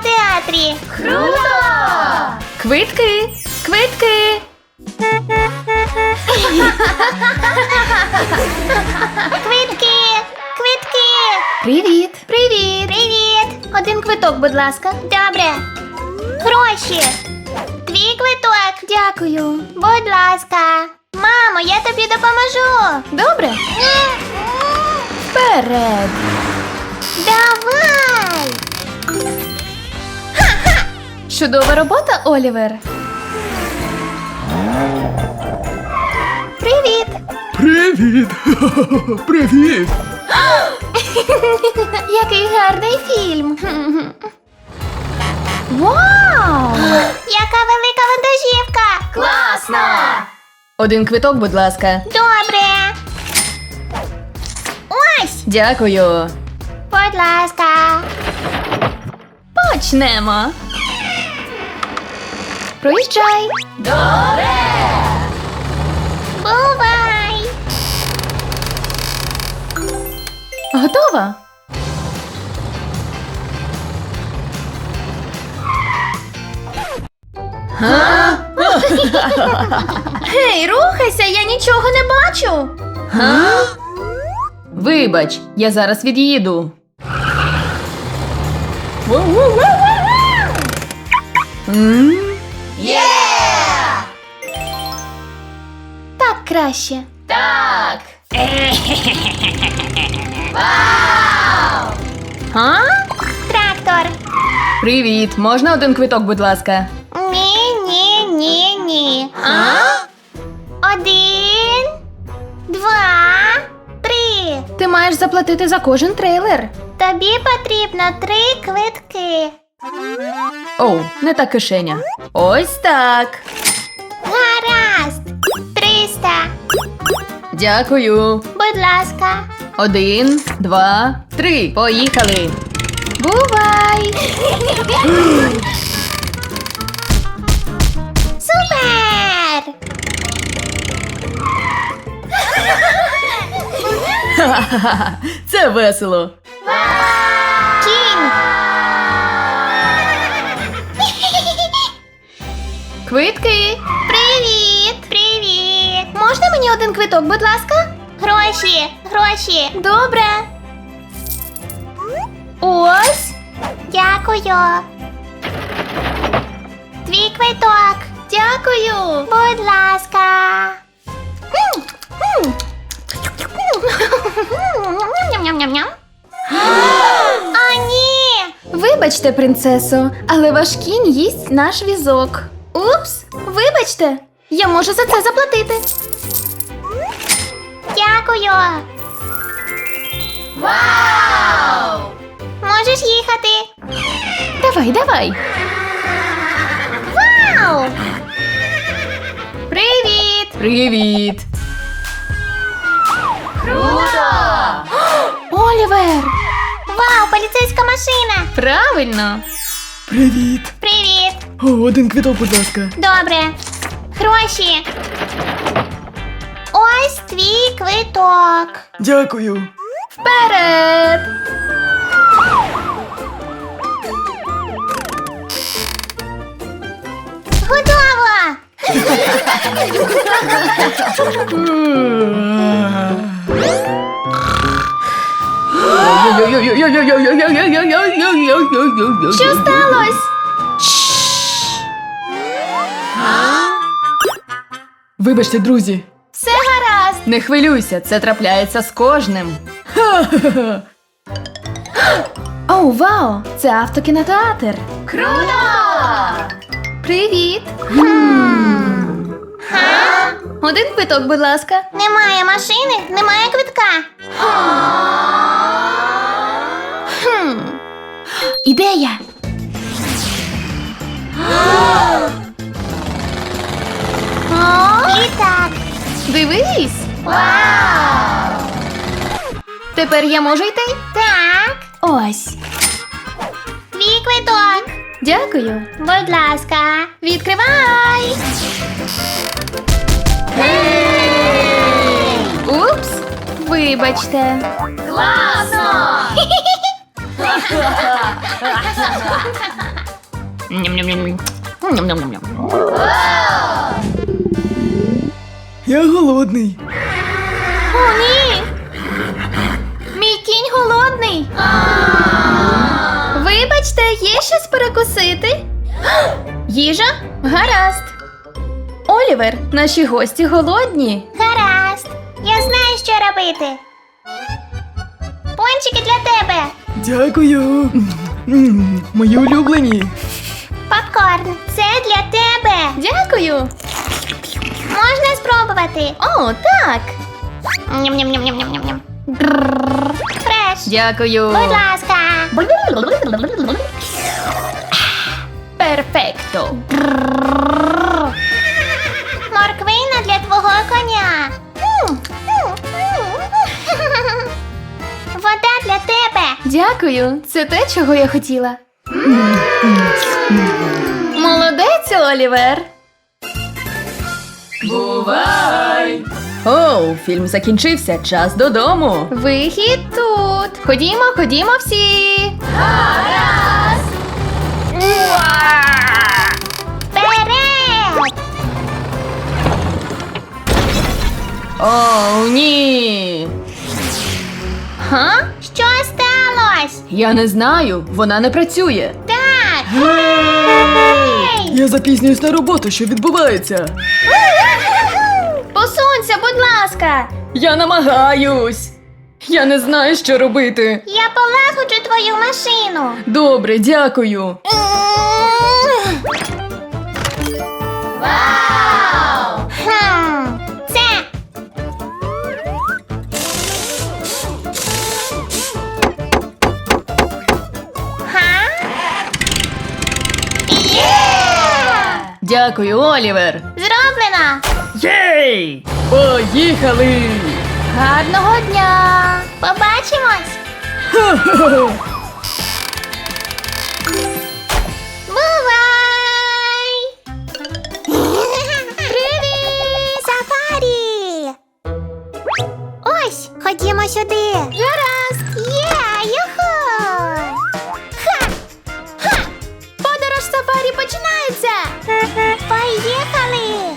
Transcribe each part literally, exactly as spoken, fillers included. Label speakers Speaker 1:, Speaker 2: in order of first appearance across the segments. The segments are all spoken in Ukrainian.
Speaker 1: театрі.
Speaker 2: Круто! Квитки! Квитки!
Speaker 1: Квитки! Квитки!
Speaker 2: Привіт! Привіт!
Speaker 1: Привіт!
Speaker 2: Один квиток, будь ласка.
Speaker 1: Добре. Гроші. Твій квиток.
Speaker 2: Дякую.
Speaker 1: Будь ласка. Мамо, я тобі допоможу.
Speaker 2: Добре? Вперед!
Speaker 1: Давай.
Speaker 2: Чудова робота, Олівер.
Speaker 1: Привіт.
Speaker 3: Привіт! Привіт!
Speaker 2: Який гарний фільм. Вау!
Speaker 1: Яка велика вантажівка.
Speaker 2: Класно! Один квиток, будь ласка.
Speaker 1: Добре. Ось.
Speaker 2: Дякую.
Speaker 1: Будь ласка.
Speaker 2: Почнемо. Проїжджай. Добре!
Speaker 1: Бувай.
Speaker 2: Готова? Га? Гей, рухайся, я нічого не бачу. Га? Вибач, я зараз від'їду. М? Так краще. Так. Вау! А?
Speaker 1: Трактор.
Speaker 2: Привіт, можна один квиток, будь ласка?
Speaker 1: Ні, ні, ні, ні.
Speaker 2: А?
Speaker 1: Один, два, три.
Speaker 2: Ти маєш заплатити за кожен трейлер.
Speaker 1: Тобі потрібно три квитки.
Speaker 2: Оу, не та кишеня. Ось так.
Speaker 1: Гаразд. Триста.
Speaker 2: Дякую.
Speaker 1: Будь ласка.
Speaker 2: Один, два, три. Поїхали. Бувай!
Speaker 1: Супер!
Speaker 2: Ха-ха-ха, це весело.
Speaker 1: Кінь.
Speaker 2: Квитки.
Speaker 1: Привіт! Привіт!
Speaker 2: Можна мені один квиток, будь ласка?
Speaker 1: Гроші! Гроші!
Speaker 2: Добре. Ось.
Speaker 1: Дякую! Твій квиток!
Speaker 2: Дякую.
Speaker 1: Будь ласка! Ням-ням-ням-ням. О, ні!
Speaker 2: Вибачте, принцесо, але ваш кінь їсть наш візок. Упс, вибачте, я можу за це заплатити.
Speaker 1: Дякую!
Speaker 2: Вау!
Speaker 1: Можеш їхати!
Speaker 2: Давай, давай.
Speaker 1: Вау!
Speaker 2: Привіт! Привіт! Круто! Олівер!
Speaker 1: Вау, поліцейська машина!
Speaker 2: Правильно!
Speaker 3: Привіт!
Speaker 1: Привіт!
Speaker 3: О, один квиток, будь ласка.
Speaker 1: Добре. Гроші. Ось твій квиток.
Speaker 3: Дякую.
Speaker 2: Вперед!
Speaker 1: Готово!
Speaker 2: Що сталося?
Speaker 3: Вибачте, друзі.
Speaker 2: Все гаразд. Не хвилюйся, це трапляється з кожним. Оу, вау! Це автокінотеатр. Круто! Привіт! Один квиток, будь ласка.
Speaker 1: Немає машини, немає квитка.
Speaker 2: Хм. Ідея!
Speaker 1: Літак.
Speaker 2: Дивись!
Speaker 1: Вау!
Speaker 2: Тепер я можу йти?
Speaker 1: Так.
Speaker 2: Ось.
Speaker 1: Твій квиток.
Speaker 2: Дякую.
Speaker 1: Будь ласка.
Speaker 2: Відкривай! Упс! Вибачте. Класно!
Speaker 1: Ням-ням-ням. Ням-ням-ням.
Speaker 3: Я голодний.
Speaker 2: О, ні! Мій кінь голодний. Вибачте, є щось перекусити? Їжа? Гаразд. Олівер, наші гості голодні.
Speaker 1: Гаразд. Я знаю, що робити. Пончики для тебе.
Speaker 3: Дякую. М, Мої улюблені.
Speaker 1: Попкорн. Це для тебе.
Speaker 2: Дякую.
Speaker 1: Можна спробувати.
Speaker 2: О, так.
Speaker 1: Ням-ням-ням-ням-ням-ням. Фреш.
Speaker 2: Дякую.
Speaker 1: Будь ласка.
Speaker 2: Перфекто.
Speaker 1: Морквина для твого коня. Вода для тебе.
Speaker 2: Дякую. Це те, чого я хотіла. Молодець, Олівер.
Speaker 4: Бувай! Оу, фільм закінчився. Час додому.
Speaker 2: Вихід тут. Ходімо, ходімо всі.
Speaker 1: Вперед!
Speaker 4: Оу, ні.
Speaker 2: Га?
Speaker 1: Що сталося?
Speaker 4: Я не знаю, вона не працює.
Speaker 1: Так. Гей!
Speaker 3: Я запізнююсь на роботу, що відбувається.
Speaker 2: Посунься, будь ласка.
Speaker 4: Я намагаюсь. Я не знаю, що робити.
Speaker 1: Я полагоджу твою машину.
Speaker 4: Добре, дякую.
Speaker 1: Хм. Це. Га? Є!
Speaker 4: Дякую, Олівер.
Speaker 1: Зроблено.
Speaker 4: Єй! Поїхали!
Speaker 2: Гарного дня.
Speaker 1: Побачимось. Бувай! Привіт! Сафарі! Ось, ходімо сюди. Гаразд! Є, юху! Ха! Ха!
Speaker 2: Подорож сафарі починається.
Speaker 1: Поїхали!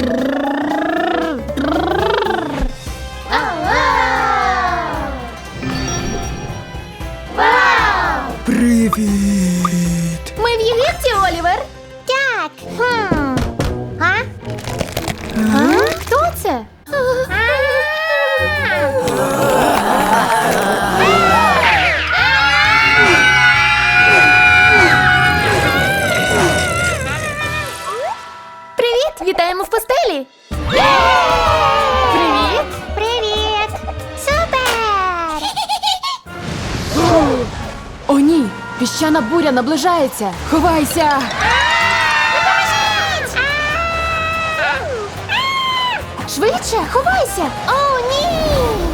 Speaker 1: Вау!
Speaker 3: Привіт.
Speaker 2: Ми в Єгипті, Олівер.
Speaker 1: Так. Хм. А?
Speaker 2: Хто це? Привіт, вітаємо в постелі. Привіт.
Speaker 1: Привіт! Супер!
Speaker 4: О, ні! Піщана буря наближається! Ховайся!
Speaker 2: Швидше, ховайся.
Speaker 1: О, ні!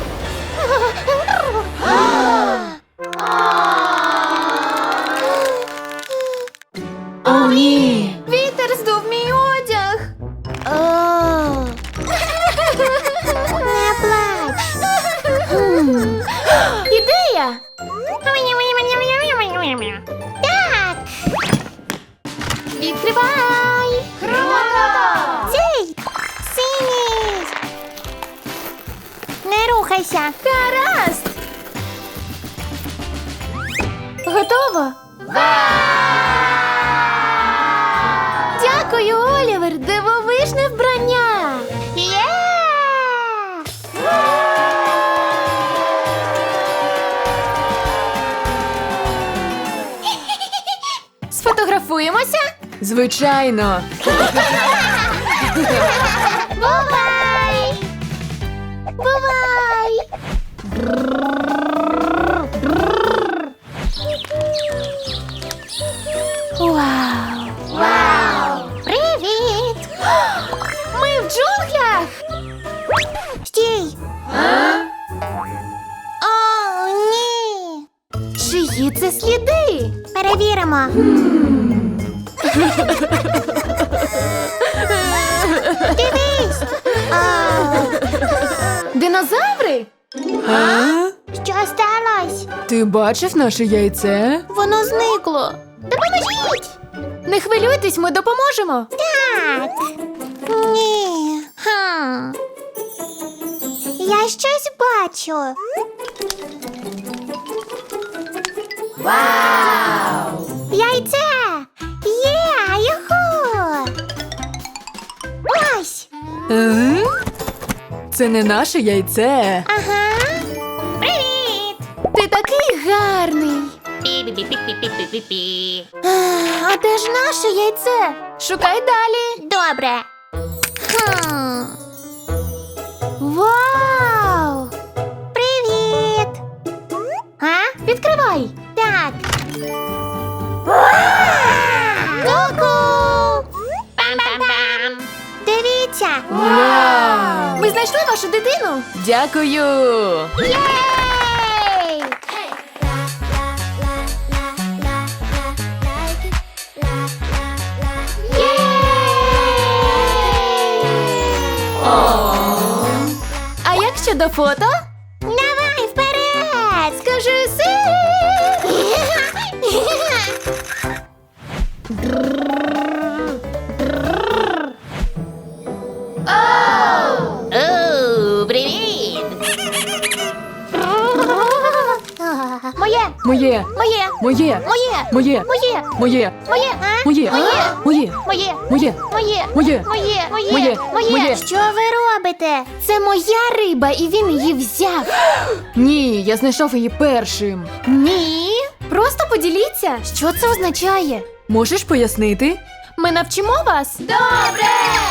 Speaker 4: О, ні!
Speaker 2: Вітер здув мій одяг.
Speaker 1: О! Не плач!
Speaker 2: Ідея.
Speaker 1: Так!
Speaker 2: Відкривай.
Speaker 1: Цей! Синій! Не рухайся!
Speaker 2: Гаразд. Готово. Дякую, Олівер. Дивовижне вбрання.
Speaker 1: Є!
Speaker 2: Сфотографуємося?
Speaker 4: Звичайно!
Speaker 1: Бувай! Бувай!
Speaker 2: Вау.
Speaker 1: Вау! Привіт!
Speaker 2: Ми в джунглях.
Speaker 1: Стій! О, ні!
Speaker 2: Чиї це сліди?
Speaker 1: Перевіримо. Дивись! О,
Speaker 2: Динозаври?
Speaker 4: А?
Speaker 1: що сталося?
Speaker 4: Ти бачив наше яйце?
Speaker 1: Воно зникло. Допоможіть!
Speaker 2: Не хвилюйтесь, ми допоможемо.
Speaker 1: Так. Ні. Хм. Я щось бачу. Вау! Яйце! Є! Юху! Ось!
Speaker 4: Е? Це не наше яйце.
Speaker 1: Ага! Привіт!
Speaker 2: Ти такий гарний.
Speaker 1: Пі-пі-пі-пі-пі-пі-пі.
Speaker 2: А де ж наше яйце? Шукай далі.
Speaker 1: Добре. Хм.
Speaker 2: Вау!
Speaker 1: Привіт! А?
Speaker 2: Відкривай.
Speaker 1: Так. Ку-ку! Пам-пам-пам! Дивіться!
Speaker 2: Вау! Ми знайшли вашу дитину.
Speaker 4: Дякую.
Speaker 1: Єй!
Speaker 2: А як щодо фото?
Speaker 1: Давай вперед!
Speaker 2: Скажи си.
Speaker 1: Оу, привіт! Моє!
Speaker 4: Моє.
Speaker 1: Моє!
Speaker 4: Моє.
Speaker 1: Моє!
Speaker 4: Моє.
Speaker 1: Моє!
Speaker 4: Моє.
Speaker 1: Моє! А?
Speaker 4: Моє.
Speaker 1: Моє!
Speaker 4: Моє.
Speaker 1: Моє!
Speaker 4: Моє.
Speaker 1: Моє!
Speaker 4: Моє.
Speaker 1: Моє! Моє!
Speaker 4: Моє. Моє.
Speaker 1: Що ви робите?
Speaker 2: Це моя риба, і він її взяв.
Speaker 4: Ні, я знайшов її першим.
Speaker 2: Ні. Просто поділіться, що це означає.
Speaker 4: Можеш пояснити?
Speaker 2: Ми навчимо вас.
Speaker 1: Добре!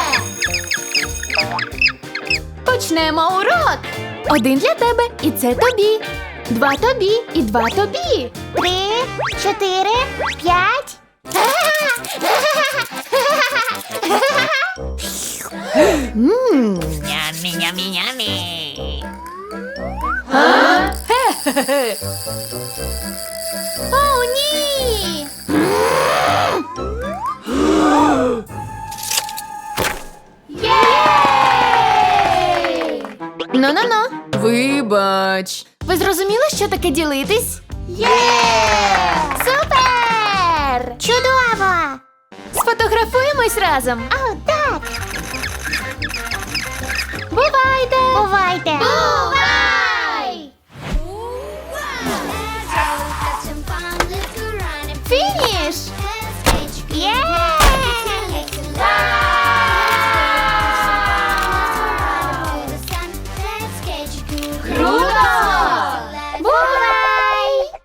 Speaker 2: Почнемо урок. Один для тебе, і це тобі. Два тобі, і два тобі.
Speaker 1: Три, чотири, п'ять.
Speaker 4: Мм.
Speaker 1: Нямі, нямі, нямі.
Speaker 2: О, ні! Ну-ну-ну.
Speaker 4: Вибач.
Speaker 2: Ви зрозуміли, що таке ділитись?
Speaker 1: Є!
Speaker 2: Супер!
Speaker 1: Чудово!
Speaker 2: Сфотографуємось разом.
Speaker 1: О, так!
Speaker 2: Бувайте!
Speaker 1: Бувайте!